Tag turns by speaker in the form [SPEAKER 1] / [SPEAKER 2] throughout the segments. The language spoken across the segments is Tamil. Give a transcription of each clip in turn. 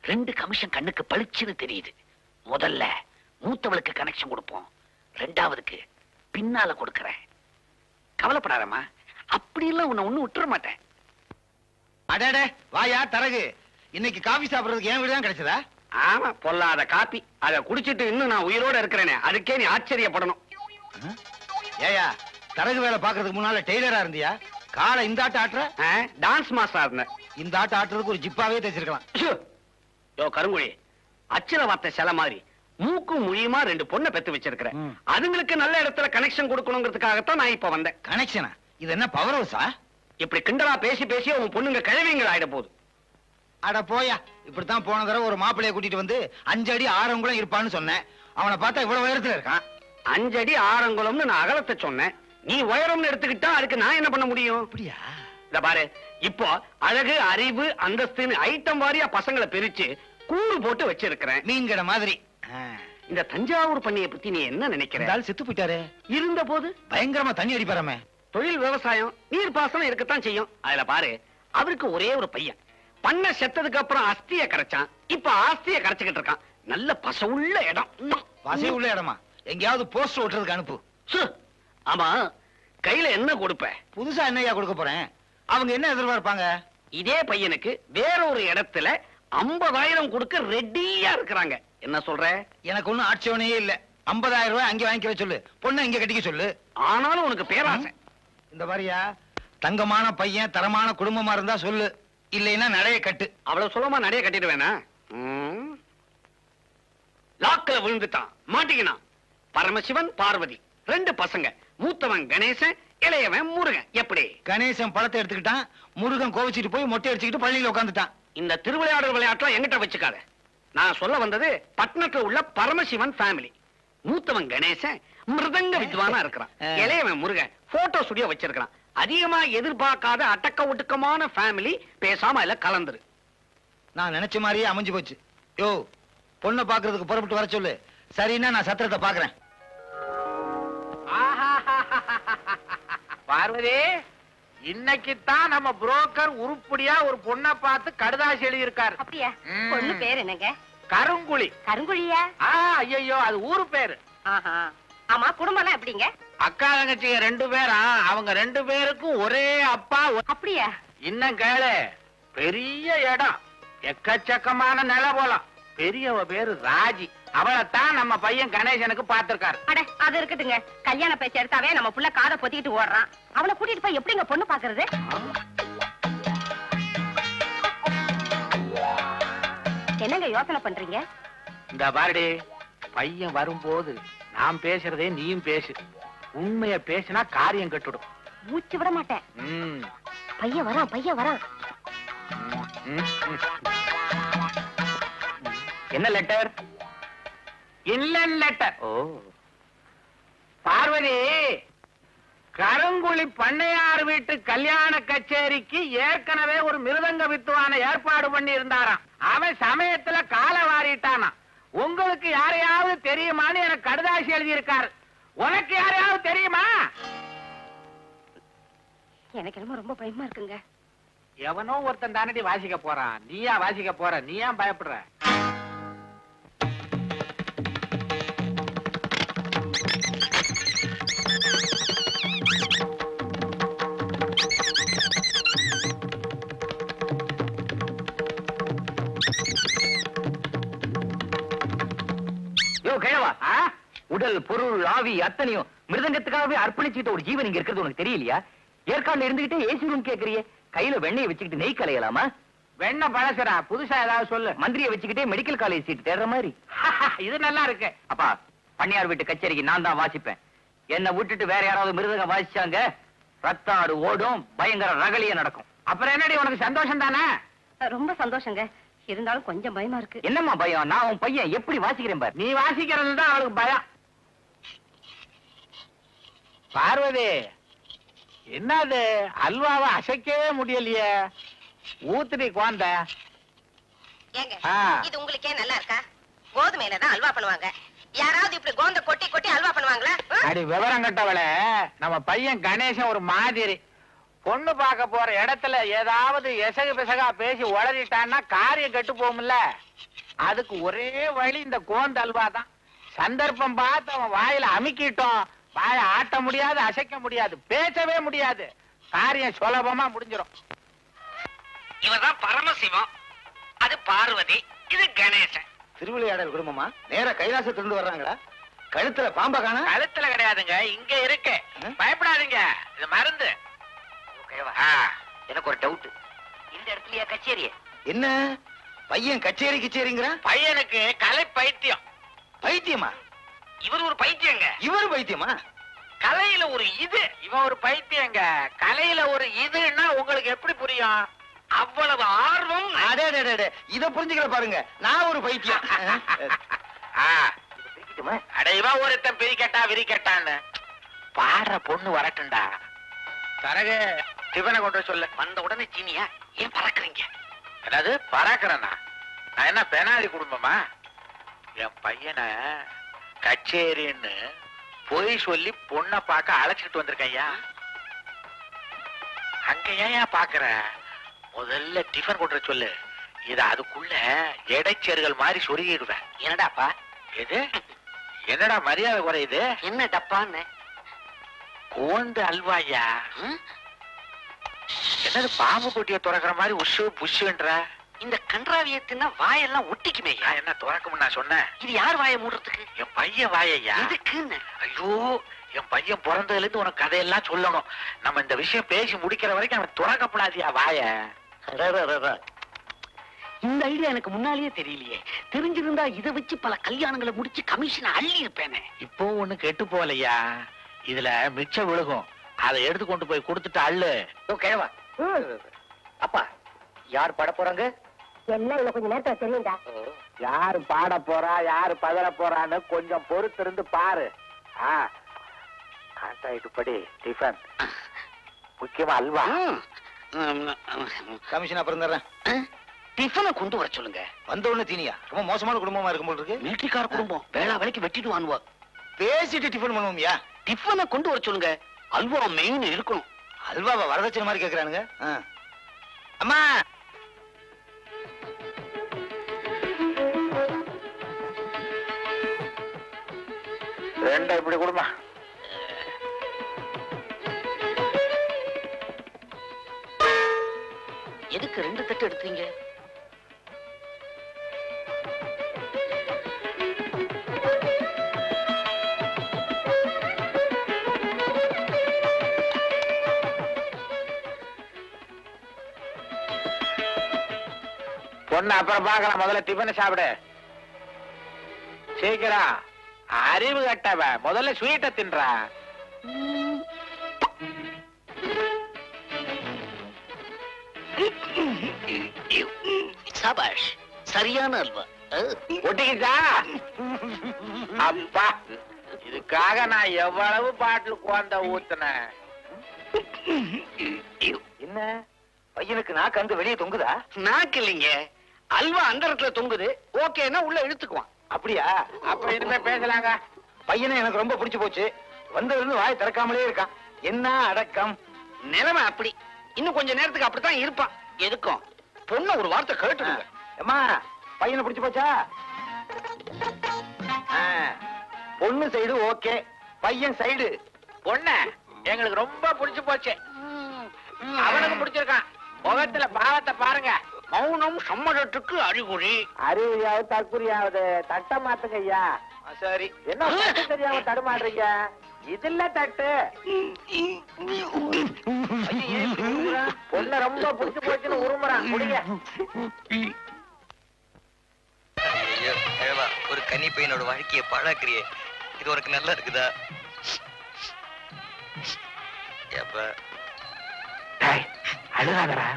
[SPEAKER 1] 2 கமிஷன் கண்ணுக்கு பளிச்சுன்னு தெரியுது. முதல்ல மூத்தவளுக்கு கனெக்ஷன் கொடுப்போம், 2வதுக்கு பின்னால கொடுக்கறேன். கவலைப்படாதம்மா, அப்படி எல்லாம் உன்னை ஒண்ணு விட்டுற மாட்டேன்.
[SPEAKER 2] அடடே வாயா தரகு, இன்னைக்கு காபி சாப்பிடுறதுக்கு என் வீடு தான் கிடைச்சதா?
[SPEAKER 1] ஆமா, பொல்லாத காப்பி. அதை குடிச்சிட்டு இன்னும் நான் உயிரோட இருக்கிறேனே, அதுக்கே நீ ஆச்சரியப்படணும்.
[SPEAKER 2] ஏயா தரகு வேலை பாக்குறதுக்கு முன்னால டெய்லரா இருந்தியா? காலை இந்த ஆட்ட ஆட்டுற?
[SPEAKER 1] டான்ஸ் மாஸ்டரா இருந்தேன்.
[SPEAKER 2] இந்த ஆட்ட ஆட்டுறதுக்கு ஒரு ஜிப்பாவே தைச்சிருக்கலாம்.
[SPEAKER 1] யோ கருங்குழி, அச்சல வார்த்தை சில மாதிரி மூக்கும் மொழியுமா 2 பொண்ணை பெத்து வச்சிருக்கிறேன். அதுங்களுக்கு நல்ல இடத்துல கனெக்ஷன் கொடுக்கணுங்கிறதுக்காகத்தான் நான் இப்ப வந்தேன்.
[SPEAKER 2] கனெக்ஷனா? இது என்ன பவர் ஹவுஸா?
[SPEAKER 1] இப்படி கிண்டலா பேசி பேசி உன் பொண்ணுங்க கிழவிங்கள் ஆயிட போகுது.
[SPEAKER 2] அட போயா, இப்படித்தான் போன தடவை ஒரு மாப்பிள்ளைய கூட்டிட்டு வந்து 5 அடி ஆறங்குளம் இருப்பான்னு சொன்னேன். அவனை பார்த்தா இவ்வளவு உயரத்துல இருக்கான்.
[SPEAKER 1] 5 அடி ஆறங்குளம்னு நான் அகலத்தை சொன்னேன். நீ உயரம்னு எடுத்துக்கிட்டா அதுக்கு நான் என்ன பண்ண முடியும்?
[SPEAKER 2] அப்படியா?
[SPEAKER 1] இத பாரு, இப்போ அழகு, அறிவு, அந்தஸ்துன்னு ஐட்டம் வாரியா பசங்களை பிரிச்சு கூறு போட்டு வச்சிருக்கிறேன்.
[SPEAKER 2] மீன் கடை மாதிரி.
[SPEAKER 1] இந்த தஞ்சாவூர் பண்ணைய பத்தி நீ என்ன நினைக்கிற?
[SPEAKER 2] செத்து போயிட்டாரு.
[SPEAKER 1] இருந்த போது
[SPEAKER 2] பயங்கரமா தண்ணி அடிப்பாராமே.
[SPEAKER 1] தொழில் விவசாயம், நீர் பாசனம் இருக்கத்தான் செய்யும். அதுல பாரு, அவருக்கு ஒரே ஒரு பையன். பண்ண செத்ததுக்கு அப்புறம் அஸ்திய கரைச்சான். இப்ப ஆஸ்திய கரைச்சுக்கிட்டு இருக்கான். நல்ல பசவுள்ள இடம்.
[SPEAKER 2] பசை உள்ள இடமா? எங்கேயாவது போஸ்ட் ஓட்டுறதுக்கு அனுப்பு.
[SPEAKER 1] ஆமா, கையில என்ன கொடுப்ப?
[SPEAKER 2] புதுசா என்னையா கொடுக்க போறேன்? அவங்க என்ன எதிர்பார்ப்பாங்க?
[SPEAKER 1] இதே பையனுக்கு வேற ஒரு இடத்துல 50,000 கொடுக்க ரெடியா இருக்கிறாங்க. என்ன சொல்ற?
[SPEAKER 2] எனக்கு ஒண்ணும் ஆட்சேபனையே இல்ல. 50,000 ரூபாய் அங்கே வாங்கிக்க சொல்லு, பொண்ணை இங்க கட்டிக்க சொல்லு.
[SPEAKER 1] ஆனாலும் உனக்கு பேராசை. இந்த
[SPEAKER 2] மாதிரியா தங்கமான பையன், தரமான குடும்பமா இருந்தா சொல்லு, இல்லைன்னா நடைய கட்டு.
[SPEAKER 1] அவ்வளவு சுலமா நடைய கட்டிடுவேனா? லாக்கல விழுந்துட்டான், மாட்டிக்கினான். பரமசிவன், பார்வதி 2 பசங்க. மூத்தவன் கணேசன், இளையவன் முருகன். எப்படி?
[SPEAKER 2] கணேசன் பழத்தை எடுத்துக்கிட்டான், முருகன் கோவிச்சிட்டு போய் மொட்டை அடிச்சுக்கிட்டு பள்ளியில உட்காந்துட்டான்.
[SPEAKER 1] இந்த திருவிளையாடல் விளையாட்டுலாம் எங்கிட்ட வச்சுக்காத. நான் சொல்ல வந்தது பட்டணத்துல உள்ள பரமசிவன் ஃபேமிலி. மூத்தவன் கணேசன் மிருதங்க வித்வானா இருக்கிறான். இளையவன் முருகன் போட்டோ ஸ்டுடியோ வச்சிருக்கான். அதிகமா எதிர்பார்க்காத அடக்க ஒடுக்கமான ஃபேமிலி. பேசாம இல்ல கலந்துரு.
[SPEAKER 2] நான் நினைச்ச மாதிரியே அமைஞ்சு போச்சு. யோ, பொண்ணை பாக்குறதுக்கு புறப்பட்டு வர சொல்லு. சரின்னா நான் சத்திரத்தை பாக்குறேன்.
[SPEAKER 3] பார்வதி, இன்னைக்குத்தான் நம்ம புரோக்கர் உருப்படியா ஒரு பொண்ணை பார்த்து கடுதாசி எழுதியிருக்காரு.
[SPEAKER 4] அப்படியா? பொண்ணு பேர் என்னங்க?
[SPEAKER 3] கருங்குழி.
[SPEAKER 4] கருங்குழியா?
[SPEAKER 3] ஐயோ, அது ஊரு பேரு.
[SPEAKER 4] ஆமா, குடும்பம் எல்லாம் எப்படிங்க?
[SPEAKER 3] அக்கா தங்கச்சிங்க 2 பேரா? அவங்க 2 பேருக்கும் ஒரே அப்பா.
[SPEAKER 4] அப்படியா?
[SPEAKER 3] இன்னும் கேளு, பெரிய இடம், எக்கச்சக்கமான நில போலாம். பெரியவ பேரு ராஜி. அவளைத்தான் நம்ம பையன் கணேசனுக்கு பார்த்திருக்காரு.
[SPEAKER 4] அட, அது இருக்குதுங்க. கல்யாண பேச்சு எடுத்தாவே நம்ம புள்ள காதை பொத்திக்கிட்டு ஓடுறான். அவளை கூட்டிட்டு போய் எப்படிங்க பொண்ணு பாக்குறது? என்னங்க யோசனை பண்றீங்க?
[SPEAKER 3] இந்த பாருடி, பையன் வரும்போது நான் பேசுறதே நீயும் பேசு. உண்மைய பேசினா காரியம் கட்டுடும்.
[SPEAKER 4] மூச்சு விட மாட்டேன். பையன் வரான், பையன் வரான்.
[SPEAKER 1] என்ன லெட்டர்?
[SPEAKER 3] இல்லன் லெட்டர். பார்வதி, கருங்குழி பண்ணையார் வீட்டு கல்யாண கச்சேரிக்கு ஏற்கனவே ஒரு மிருதங்க வித்துவான ஏற்பாடு பண்ணி இருந்தாராம். அவன் சமயத்துல கால வாரிட்டானா. உங்களுக்கு யாரையாவது தெரியுமான்னு எனக்கு கடுதாசி எழுதி இருக்காரு. உனக்கு யாரையாவது தெரியுமா?
[SPEAKER 4] எனக்கு என்னமோ ரொம்ப பயமா இருக்குங்க.
[SPEAKER 3] எவனோ ஒருத்தன் தானடி வாசிக்க போறான். நீயா வாசிக்க போற? நீ ஏன் பயப்படுற?
[SPEAKER 1] உடல், பொருள், ஆவி அத்தனையும் மிருதங்கத்துக்காகவே அர்ப்பணிச்சுட்டு ஒரு ஜீவன் இங்க இருக்கிறது உனக்கு தெரியலையா? ஏற்காடுல இருந்துகிட்டே ஏசி ரூம் கேக்குறியே. கையில வெண்ணெயை வச்சுக்கிட்டு நெய் கலையலாமா?
[SPEAKER 3] வெண்ணெய் பழசுறா, புதுசா ஏதாவது சொல்லு.
[SPEAKER 1] மந்திரியை வச்சுக்கிட்டே மெடிக்கல் காலேஜ் சீட் தேடுற மாதிரி.
[SPEAKER 3] இது நல்லா இருக்கு.
[SPEAKER 1] அப்பா, பண்ணையார் வீட்டு கச்சேரிக்கு நான் தான் வாசிப்பேன். என்ன விட்டுட்டு வேற யாராவது மிருதங்க வாசிச்சாங்க, ரத்தாடு ஓடும், பயங்கர ரகலிய நடக்கும்.
[SPEAKER 3] அப்புறம் என்னடி, உனக்கு சந்தோஷம் தானே?
[SPEAKER 4] ரொம்ப சந்தோஷங்க. இருந்தாலும் கொஞ்சம் பயமா இருக்கு.
[SPEAKER 1] என்னம்மா பயம்? நான் உன் பையன் எப்படி வாசிக்கிறேன் பாரு.
[SPEAKER 3] நீ வாசிக்கிறது தான் அவளுக்கு பயம். பார்வதி, என்னது அல்வாவை அசைக்கவே முடியலையே? ஊத்துடி குழந்த.
[SPEAKER 4] இது உங்களுக்கே நல்லா இருக்கா? கோதுமையில தான் அல்வா பண்ணுவாங்க. யாராவது இப்படி கோந்த கொட்டி கொட்டி அல்வா பண்ணுவாங்களா?
[SPEAKER 3] அடி விவரம் கட்டவள, நம்ம பையன் கணேசன் ஒரு மாதிரி பொண்ணு பார்க்க போற இடத்துல ஏதாவது எசகு பிசகா பேசி உளறிட்டான்னா காரியம் கெட்டு போகும்ல. அதுக்கு ஒரே வழி இந்த கோந்து அல்வா தான். சந்தர்ப்பம் பார்த்து அவன் வாயில அமுக்கிட்டோம், வாயை ஆட்ட முடியாது, அசைக்க முடியாது, பேசவே முடியாது. காரியம் சுலபமா முடிஞ்சிடும்.
[SPEAKER 1] இவர்தான் பரமசிவம், அது பார்வதி, இது கணேசன்.
[SPEAKER 2] திருவிளையாடல் குடும்பமா? நேரா கைலாசத்திலிருந்து வர்றாங்களா? கழுத்துல பாம்ப காணா?
[SPEAKER 3] கழுத்துல கிடையாதுங்க, இங்க இருக்கு. பயப்படாதீங்க, இது மருந்து.
[SPEAKER 1] எனக்கு ஒரு டவுட், இந்த இடத்துலயா கச்சேரி?
[SPEAKER 2] என்ன பையன் கச்சேரி கிச்சேரிங்கிறான்?
[SPEAKER 3] பையனுக்கு கலை பைத்தியம்.
[SPEAKER 2] பைத்தியமா?
[SPEAKER 1] இவர் ஒரு பைத்தியங்க.
[SPEAKER 2] இவர் பைத்தியமா?
[SPEAKER 3] கலையில ஒரு இது, இவன் ஒரு பைத்தியங்க. கலையில ஒரு இதுன்னா உங்களுக்கு எப்படி புரியும்?
[SPEAKER 1] அவ்வளவு ஆர்வம்.
[SPEAKER 2] அடே இத புரிஞ்சுக்கிற பாருங்க, நான் ஒரு பைத்தியம்.
[SPEAKER 3] அட இவன் ஒருத்தன் பிரிக்கட்டா விரிக்கட்டான்னு. பாடுற பொண்ணு வரட்டும்டா. தரகு டிஃபனை கொண்டு சொல்லு.
[SPEAKER 1] வந்த உடனே சீனியா ஏன் பறக்குறீங்க?
[SPEAKER 3] அதாவது பறக்கிறேன்னா நான் என்ன பெனாலி குடும்பமா? என் பையனை கச்சேரின்னு பொய் சொல்லி பொண்ணை பார்க்க அழைச்சிட்டு வந்திருக்கேன் ஐயா. அங்க ஏன் பாக்குற? முதல்ல டிஃபன் கொண்டு சொல்லு. இத அதுக்குள்ள இடைச்சேறுகள் மாதிரி சொருகிடுவேன்.
[SPEAKER 1] என்னடாப்பா
[SPEAKER 3] எது? என்னடா மரியாதை குறையுது?
[SPEAKER 1] என்ன டப்பான்னு?
[SPEAKER 3] கோந்து அல்வாயா? என்னது பாம்பு போட்டிய துறக்கிற மாதிரி உஷு புஷுன்ற?
[SPEAKER 1] இந்த கன்றாவியத்தின்னா வாயெல்லாம் ஒட்டிக்குமே.
[SPEAKER 3] நான் என்ன துறக்கும்னு நான் சொன்னேன்?
[SPEAKER 1] இது யார் வாயை மூடுறதுக்கு?
[SPEAKER 3] என் பையன் வாயையா.
[SPEAKER 1] எதுக்குன்னு?
[SPEAKER 3] ஐயோ, என் பையன் பிறந்ததுல இருந்து உனக்கு கதையெல்லாம் சொல்லணும். நம்ம இந்த விஷயம் பேசி முடிக்கிற வரைக்கும் அவன் துறக்கப்படாதியா வாய.
[SPEAKER 1] இந்த ஐடியா எனக்கு முன்னாலேயே தெரியலையே. தெரிஞ்சிருந்தா இதை வச்சு பல கல்யாணங்களை முடிச்சு கமிஷன் அள்ளி இருப்பேனே.
[SPEAKER 3] இப்போ ஒண்ணு கெட்டு போகலையா? இதுல மிச்சம் விழுகும், அதை எடுத்து கொண்டு போய் கொடுத்துட்டு அள்ளு.
[SPEAKER 1] கேவா அப்பா, யார் பாட போறாங்க?
[SPEAKER 4] என்ன இவ்வளவு கொஞ்ச நேரத்துல தெரியும்டா.
[SPEAKER 3] யாரு பாட போறா, யாரு பதற போறான்னு கொஞ்சம் பொறுத்து இருந்து பாரு. கான்ட்ராக்ட் படி டிஃபன், முக்கியமா அல்வா.
[SPEAKER 2] கமிஷன் அப்புறம் தர்றேன்.
[SPEAKER 1] டிஃபனை கொண்டு வர சொல்லுங்க.
[SPEAKER 2] வந்த உடனே தீனியா? ரொம்ப மோசமான குடும்பமா இருக்கும் போல இருக்கு.
[SPEAKER 1] மிலிட்டரிக்கார குடும்பம், வேளா வேலைக்கு வெட்டிட்டு வாங்குவா.
[SPEAKER 2] பேசிட்டு டிஃபன் பண்ணுவோம்யா.
[SPEAKER 1] டிஃபனை கொண்டு வர சொல்லுங்க. அல்வா மெயின் இருக்கணும்.
[SPEAKER 2] அல்வாவை வரதட்சணை மாதிரி கேக்குறானுங்க. அம்மா,
[SPEAKER 3] ரெண்டா இப்படி கொடுமா.
[SPEAKER 1] எதுக்கு 2 தட்டு எடுத்தீங்க?
[SPEAKER 3] பொண்ணு அப்புறம் பார்க்கலாம், முதல்ல டிஃபன் சாப்பிடு சீக்கிரம். அறிவு கட்டவ, முதல்ல ஸ்வீட்டை தின்றா.
[SPEAKER 1] சபாஷ், சரியான அல்வா.
[SPEAKER 3] ஒட்டிக்கிச்சா? அப்பா, இதுக்காக நான் எவ்வளவு பாட்டில் குழந்த ஊத்துனேன்.
[SPEAKER 2] என்ன பையனுக்கு நாக்கு அங்க வெளியே தொங்குதா?
[SPEAKER 1] நாக்கு இல்லைங்க, அல்வா அந்த இடத்துல தொங்குது. ஓகேன்னா உள்ள இழுத்துக்குவான்.
[SPEAKER 2] அப்படியா?
[SPEAKER 3] அப்ப இனிமே பேசலாங்க.
[SPEAKER 2] பையனை எனக்கு ரொம்ப பிடிச்சு போச்சு. வந்ததுல இருந்து வாய் திறக்காமலே இருக்கான். என்ன அடக்கம்!
[SPEAKER 1] நிலைமை அப்படி. இன்னும் கொஞ்ச நேரத்துக்கு அப்படித்தான் இருப்பான். எதுக்கும் பொண்ணு ஒரு வார்த்தை கேட்டுடுங்க.
[SPEAKER 2] அம்மா, பையனை பிடிச்சு போச்சா? பொண்ணு சைடு ஓகே, பையன் சைடு.
[SPEAKER 3] பொண்ணு எங்களுக்கு ரொம்ப பிடிச்சு போச்சு. அவனுக்கு பிடிச்சிருக்கான். முகத்துல பாவத்தை பாருங்க.
[SPEAKER 1] மௌனம் சம்மதத்துக்கு அறிகுறி.
[SPEAKER 3] அறிவியாவது தற்குறியாவது. தட்ட மாத்துங்க ஐயா.
[SPEAKER 2] சரி.
[SPEAKER 3] என்ன தட்டு தெரியாம தடுமாடுறீங்க? இதுல தட்டு. பொண்ணு ரொம்ப பிடிச்சு போச்சுன்னு உருமுறான். முடிங்க.
[SPEAKER 5] ஐயோ, கிழவா, ஒரு கன்னி பையனோட வாழ்க்கையை பாழாக்குறியே. இது உனக்கு நல்லா இருக்குதா? ஏப்பா,
[SPEAKER 3] அழுகாதரா.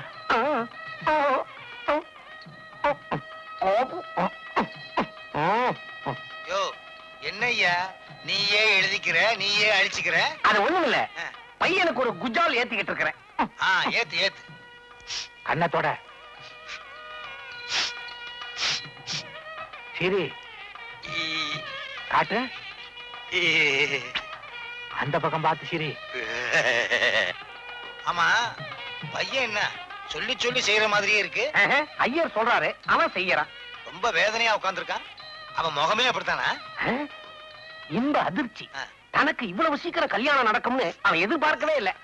[SPEAKER 2] யோ, என்னய்யா நீயே எழுதிக்கிற, நீயே அழிச்சுக்கிற?
[SPEAKER 1] அது ஒண்ணும் இல்ல, பையனுக்கு ஒரு குஜால் ஏத்திக்கிட்டு இருக்கிறேன்.
[SPEAKER 2] ஏத்து ஏத்து.
[SPEAKER 3] கண்ணத்தோட சரி காட்டு. அந்த பக்கம் பார்த்து சரி.
[SPEAKER 2] ஆமா பையன் என்ன சொல்லி சொல்லி செய்யற மாதிரியே இருக்கு.
[SPEAKER 1] ஐயர் சொல்றாரு, அவன் செய்யறான்.
[SPEAKER 2] ரொம்ப வேதனையா உட்கார்ந்திருக்கான். அவன் முகமே அப்படித்தானா?
[SPEAKER 1] இந்த அதிர்ச்சி
[SPEAKER 2] ஆ.
[SPEAKER 1] தனக்கு இவ்வளவு சீக்கிரம் கல்யாணம் நடக்கும்னு அவன் எதிர்பார்க்கவே இல்ல.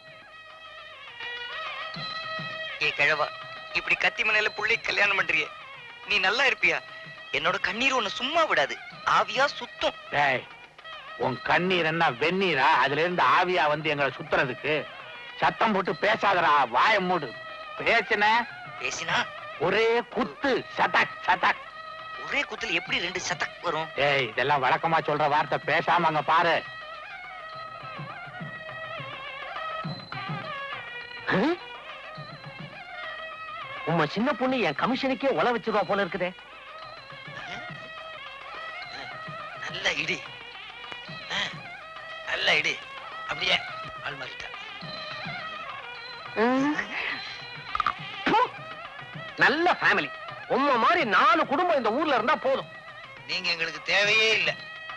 [SPEAKER 5] ஏ கிழவா, இப்படி கத்தி மனையில புள்ளை கல்யாணம் பண்றியே, நீ நல்லா இருப்பியா? என்னோட கண்ணீர் உன்னை சும்மா விடாது, ஆவியா சுத்தம்.
[SPEAKER 3] டேய், உன் கண்ணீர் என்ன வெந்நீரா? அதுல இருந்து ஆவியா வந்து எங்களை சுத்துறதுக்கு? சத்தம் போட்டு பேசாதடா, வாய மூடு. பேசின
[SPEAKER 5] பேசினா
[SPEAKER 3] ஒரே குத்து, சதக் சதக்.
[SPEAKER 5] ஒரே குத்துல எப்படி 2 சதக் வரும்?
[SPEAKER 3] ஏய், இதெல்லாம் வழக்கமா சொல்ற வார்த்தை, பேசாம அங்க பாரு.
[SPEAKER 1] உம்ம சின்ன பொண்ணு என் கமிஷனுக்கே உல வச்சிருவா போல இருக்குதே.
[SPEAKER 2] நல்ல இடி, நல்ல இடி. அப்படியே ஆள்மாறிட்டா.
[SPEAKER 1] நல்ல ஃபேமிலி. உம்ம மாதிரி 4 குடும்பம் இந்த ஊர்ல இருந்தா போதும்.
[SPEAKER 2] நீங்க எங்களுக்கு தேவையே இல்ல.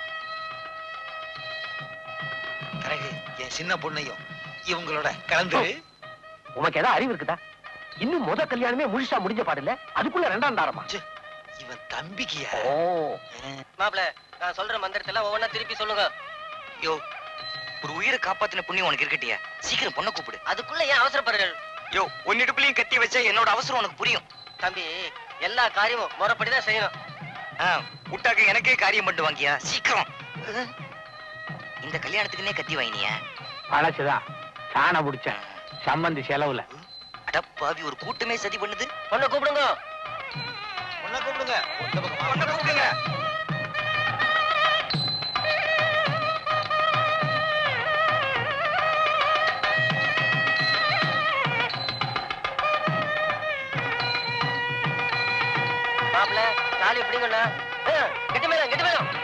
[SPEAKER 2] கரகு, என் சின்ன பொண்ணையும் இவங்களோட கலந்து.
[SPEAKER 1] உனக்கு ஏதாவது அறிவு இருக்குதா? இன்னும் முத கல்யாணமே முழுசா முடிஞ்ச பாடில்ல, அதுக்குள்ள 2ஆம் தாரமா?
[SPEAKER 2] இவன் தம்பிக்கியா?
[SPEAKER 1] ஓ,
[SPEAKER 5] மாப்ள, நான் சொல்ற மந்திரத்தெல்லாம் ஒவ்வொன்னா திருப்பி சொல்லுங்க. யோ, ஒரு உயிரை காப்பாத்தின புண்ணியம் உனக்கு இருக்கட்டியா? சீக்கிரம் பொண்ணை கூப்பிடு. அதுக்குள்ள ஏன் அவசரப்படுறீர்கள்? யோ, உன்னிடுப்புலயும் கத்தி வச்சா என்னோட அவசரம் உனக்கு புரியும். தம்பி, எல்லா காரியமும் முறைப்படிதான் செய்யணும். முட்டாக்க எனக்கே காரியம் பண்ணிட்டு வாங்கியா, சீக்கிரம். இந்த கல்யாணத்துக்குன்னே கத்தி வாங்கினியா?
[SPEAKER 3] பழசுதான், சாண பிடிச்ச சம்பந்தி செலவுல.
[SPEAKER 5] அடப்பாவி, ஒரு கூட்டமே சதி பண்ணுது. பொண்ணை கூப்பிடுங்க,
[SPEAKER 2] பொண்ணை கூப்பிடுங்க. இந்த பக்கம் வா.
[SPEAKER 5] பொண்ணை கூப்பிடுங்க. மாப்பிள்ள, தாலி எப்படிங்கண்ணா? கெட்டி மேலும், கெட்டி மேலும்.